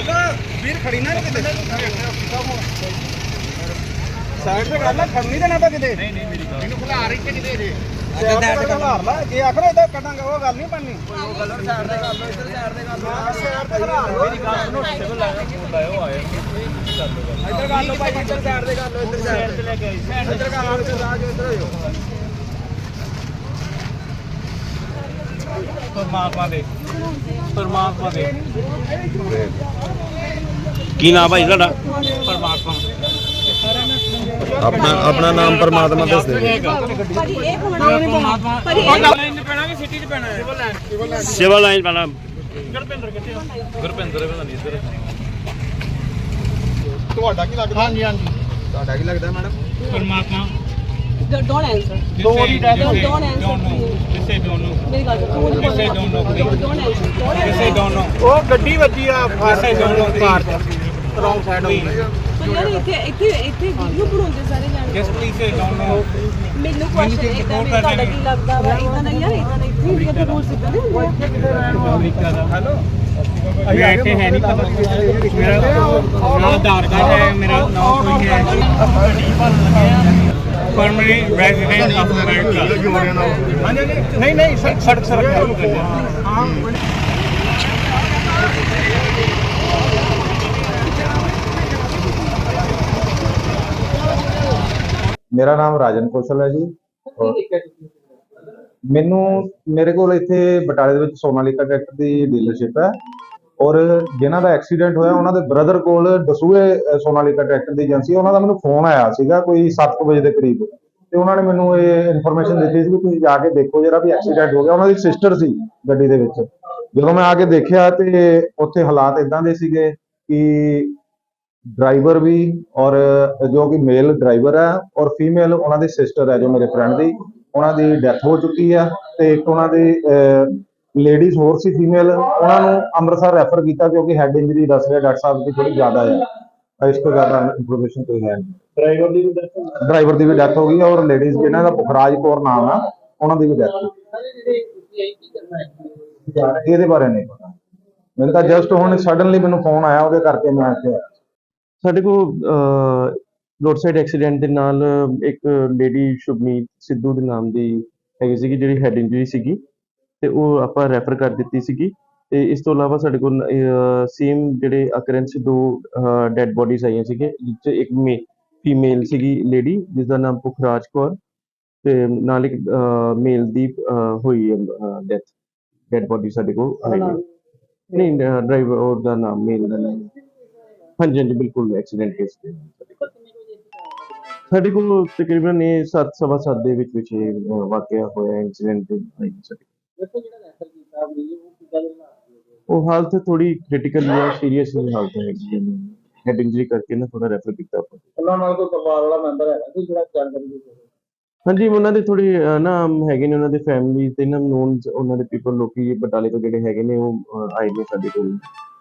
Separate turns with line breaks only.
ਵੀਰ ਖੜੀ ਨਾ ਕਿਤੇ ਸਾਈਡ ਤੇ ਕਰ ਲੈ, ਖੜਨੀ ਦੇਣਾ ਤਾਂ ਕਿਤੇ। ਨਹੀਂ ਨਹੀਂ ਮੇਰੀ ਗੱਲ ਇਹਨੂੰ ਖਿਲਾਰ ਇੱਥੇ ਕਿਤੇ ਜੇ ਸਾਈਡ ਤੇ ਖਿਲਾਰ ਲੈ, ਜੇ ਆਖਣਾ ਇਦਾਂ ਕੱਢਾਂਗੇ ਉਹ ਗੱਲ ਨਹੀਂ ਬਣਨੀ। ਉਹ ਗੱਲ ਸਾਈਡ ਤੇ ਕਰ ਲਓ, ਇੱਧਰ ਸਾਈਡ ਤੇ ਕਰ ਲਓ, ਸਾਈਡ ਤੇ ਖਿਲਾਰ ਲਓ। ਮੇਰੀ ਗੱਲ ਸੁਣੋ, ਸਿਵਲ ਲਾਇਓ ਆਏ ਇੱਧਰ ਕਰ ਲਓ ਭਾਈ, ਇੱਧਰ ਸਾਈਡ ਤੇ ਕਰ ਲਓ, ਇੱਧਰ ਸਾਈਡ ਤੇ ਲੈ ਕੇ ਆਈ, ਇੱਧਰ ਕਰ ਲਓ, ਇੱਧਰ ਰਾਜ ਇੱਧਰ ਹੋਇਓ। ਪਰਮਾਤਮਾ ਦੇ
ਕੀ ਨਾਮ ਭਾਈ ਤੁਹਾਡਾ?
ਪਰਮਾਤਮਾ
ਆਪਣਾ ਨਾਮ ਪਰਮਾਤਮਾ ਦੱਸ ਦਿਓ।
ਭਾਜੀ ਇਹ ਹੋਣਾ ਉਹਨੇ ਪਰਮਾਤਮਾ ਭਾਜੀ ਇਹ
ਲਾਈਨ ਪੈਣਾ ਕਿ ਸਿਟੀ 'ਚ ਪੈਣਾ ਹੈ?
ਸਿਵਲ ਲਾਈਨ ਪਹਿਲਾਂ
ਗੁਰਪਿੰਦਰ ਕਿੱਥੇ ਆ? ਗੁਰਪਿੰਦਰ ਪਤਾ ਨਹੀਂ ਇੱਧਰ। ਤੁਹਾਡਾ ਕੀ ਲੱਗਦਾ? ਹਾਂਜੀ ਹਾਂਜੀ, ਤੁਹਾਡਾ ਕੀ ਲੱਗਦਾ ਮੈਡਮ? ਪਰਮਾਤਮਾ।
don't answer
don't answer
ਕਿਸੇ don't ਮੇਰੀ ਗੱਲ ਸੁਣੋ ਕਿਸੇ don't answer
ਉਹ ਗੱਡੀ ਵੱਜੀ ਆ ਫਾਸੇ ਦੋਨੋਂ ਕਾਰ ਚ ਰੌਂਗ ਸਾਈਡ ਹੋ ਗਈ।
ਯਾਰ ਇੱਥੇ ਵੀਡੀਓ ਬਣਾਉਂਦੇ ਸਾਰੇ ਜਾਣੇ।
Just please say don't know.
ਮੈਨੂੰ ਕੁਐਸਚਨ ਇਦਾਂ ਵੀ ਤੁਹਾਡਾ ਕੀ ਲੱਗਦਾ ਵਾ? ਇਦਾਂ ਨਹੀਂ ਯਾਰ, ਇਦਾਂ ਨਹੀਂ। ਇੱਥੇ ਇੰਡੀਆ ਦੇ ਰੂਲਸ ਇਦਾਂ ਨਹੀਂ ਹੁੰਦੇ।
ਅਮਰੀਕਾ ਦਾ ਹੈਲੋ ਅभी आते हैं नहीं पता मेरा आधार कार्ड है, मेरा नाम कोई है परमानेंट रेजिडेंट ऑफ अमेरिका। नहीं नहीं सड़क हाँ
ਮੇਰਾ ਨਾਮ ਰਾਜਨ ਕੌਸ਼ਲ ਹੈ ਜੀ। ਮੇਰੇ ਕੋਲ ਇੱਥੇ ਬਟਾਲੇ ਦੇ ਵਿੱਚ ਸੋਨਾਲੀਕਾ ਟਰੈਕਟਰ ਦੀ ਡੀਲਰਸ਼ਿਪ ਹੈ ਔਰ ਜਿਨ੍ਹਾਂ ਦਾ ਐਕਸੀਡੈਂਟ ਹੋਇਆ ਉਹਨਾਂ ਦੇ ਬ੍ਰਦਰ ਕੋਲ ਦਸੂਹੇ ਸੋਨਾਲੀਕਾ ਟਰੈਕਟਰ ਦੀ ਏਜੰਸੀ, ਉਹਨਾਂ ਦਾ ਮੈਨੂੰ ਫੋਨ ਆਇਆ ਸੀਗਾ ਕੋਈ 7 ਵਜੇ ਦੇ ਕਰੀਬ, ਤੇ ਉਹਨਾਂ ਨੇ ਮੈਨੂੰ ਇਹ ਇਨਫੋਰਮੇਸ਼ਨ ਦਿੱਤੀ ਸੀ ਕਿ ਤੁਸੀਂ ਜਾ ਕੇ ਦੇਖੋ ਜਿਹੜਾ ਵੀ ਐਕਸੀਡੈਂਟ ਹੋ ਗਿਆ। ਉਹਨਾਂ ਦੀ ਸਿਸਟਰ ਸੀ ਗੱਡੀ ਦੇ ਵਿੱਚ। ਜਦੋਂ ਮੈਂ ਆ ਕੇ ਦੇਖਿਆ ਤੇ ਉੱਥੇ ਹਾਲਾਤ ਇਦਾਂ ਦੇ ਸੀਗੇ ਕਿ ਡਰਾਈਵਰ ਵੀ ਔਰ ਜੋ ਕਿ ਮੇਲ ਡਰਾਈਵਰ ਹੈ ਔਰ ਫੀਮੇਲ ਉਹਨਾਂ ਦੀ ਸਿਸਟਰ ਹੈ ਜੋ ਮੇਰੇ ਫਰੈਂਡ ਦੀ, ਉਹਨਾਂ ਦੀ ਡੈਥ ਹੋ ਚੁੱਕੀ ਆ ਤੇ ਇੱਕ ਉਹਨਾਂ ਦੀ ਲੇਡੀਜ਼ ਹੋਰ ਸੀ ਫੀਮੇਲ, ਉਹਨਾਂ ਨੂੰ ਅੰਮ੍ਰਿਤਸਰ ਰੈਫਰ ਕੀਤਾ ਕਿਉਂਕਿ ਹੈਡ ਇੰਜਰੀ ਦੱਸ ਰਿਹਾ ਡਾਕਟਰ ਸਾਹਿਬ ਦੀ ਥੋੜੀ ਜ਼ਿਆਦਾ ਹੈ। ਇਸ ਤੋਂ ਜ਼ਿਆਦਾ ਇਨਫੋਰਮੇਸ਼ਨ ਕੋਈ ਹੈ ਨਹੀਂ। ਡਰਾਈਵਰ ਦੀ ਵੀ ਡੈਥ ਹੋ ਗਈ ਔਰ ਲੇਡੀਜ਼ ਜਿਹਨਾਂ ਦਾ ਪੁਖਰਾਜ ਕੌਰ ਨਾਮ ਆ ਉਹਨਾਂ ਦੀ ਵੀ ਡੈਥ ਹੋ ਗਈ। ਇਹਦੇ ਬਾਰੇ ਨਹੀਂ ਪਤਾ ਮੈਨੂੰ, ਤਾਂ ਜਸਟ ਹੁਣ ਸਡਨਲੀ ਮੈਨੂੰ ਫੋਨ ਆਇਆ, ਉਹਦੇ ਕਰਕੇ ਮੈਂ ਇੱਥੇ ਆਇਆ।
ਸਾਡੇ ਕੋਲ ਰੋਡ ਸਾਈਡ ਐਕਸੀਡੈਂਟ ਦੇ ਨਾਲ ਇੱਕ ਲੇਡੀ ਸ਼ੁਭਨੀਤ ਸਿੱਧੂ ਦੇ ਨਾਮ ਦੀ ਹੈਗੀ ਸੀਗੀ ਜਿਹੜੀ ਹੈਡ ਇੰਜਰੀ ਸੀਗੀ ਤੇ ਉਹ ਆਪਾਂ ਰੈਫਰ ਕਰ ਦਿੱਤੀ ਸੀਗੀ। ਤੇ ਇਸ ਤੋਂ ਇਲਾਵਾ ਸਾਡੇ ਕੋਲ ਸੇਮ ਜਿਹੜੇ ਅਕਰੈਂਸ 2 ਡੈਡ ਬੋਡੀਜ਼ ਆਈਆਂ ਸੀਗੇ, ਜਿਸ 'ਚ ਇੱਕ ਫੀਮੇਲ ਸੀਗੀ ਲੇਡੀ ਜਿਸ ਦਾ ਨਾਮ ਪੁਖਰਾਜ ਕੌਰ ਤੇ ਨਾਲ ਇੱਕ ਮੇਲ ਦੀ ਹੋਈ ਡੈਡ ਬੋਡੀ ਸਾਡੇ ਕੋਲ ਆਈ ਹੈ। ਨਹੀਂ ਡਰਾਈਵਰ ਔਰ ਦਾ ਨਾਮ ਮੇਲ ਦਾ ਨਾਮ ਹਾਂਜੀ ਹਾਂਜੀ ਬਿਲਕੁਲ ਐਕਸੀਡੈਂਟ ਕੇਸ ਤੇ ਸਾਡੇ ਕੋਲ ਤਕਰੀਬਨ ਇਹ 7:15 ਦੇ ਵਿੱਚ ਵਾਕਿਆ ਹੋਇਆ ਇੰਸੀਡੈਂਟ ਉਹ ਹਾਲਤ ਥੋੜੀ ਕ੍ਰਿਟੀਕਲ ਜਾਂ ਸੀਰੀਅਸ ਹਾਲਤ ਹੈਗੀ ਹੈਡ ਇੰਜਰੀ ਕਰਕੇ ਨਾ ਥੋੜਾ ਰੈਫਰ ਕੀਤਾ ਆਪਾਂ।
ਉਹਨਾਂ ਨਾਲ ਕੋਈ ਪਰਿਵਾਰ ਵਾਲਾ ਮੈਂਬਰ ਹੈਗਾ ਸੀ ਜਿਹੜਾ ਜਾਣਕਾਰੀ
ਹਾਂਜੀ ਉਹਨਾਂ ਦੇ ਥੋੜੀ ਨਾ ਹੈਗੇ ਨੇ ਉਹਨਾਂ ਦੇ ਫੈਮਿਲੀ ਤੇ ਨਾ ਨੋਨ ਉਹਨਾਂ ਦੇ ਪੀਪਲ ਲੋਕੀ ਬਟਾਲੇ ਤੋਂ ਜਿਹੜੇ ਹੈਗੇ ਨੇ ਉਹ ਆਏ ਨੇ ਸਾਡੇ ਕੋਲ।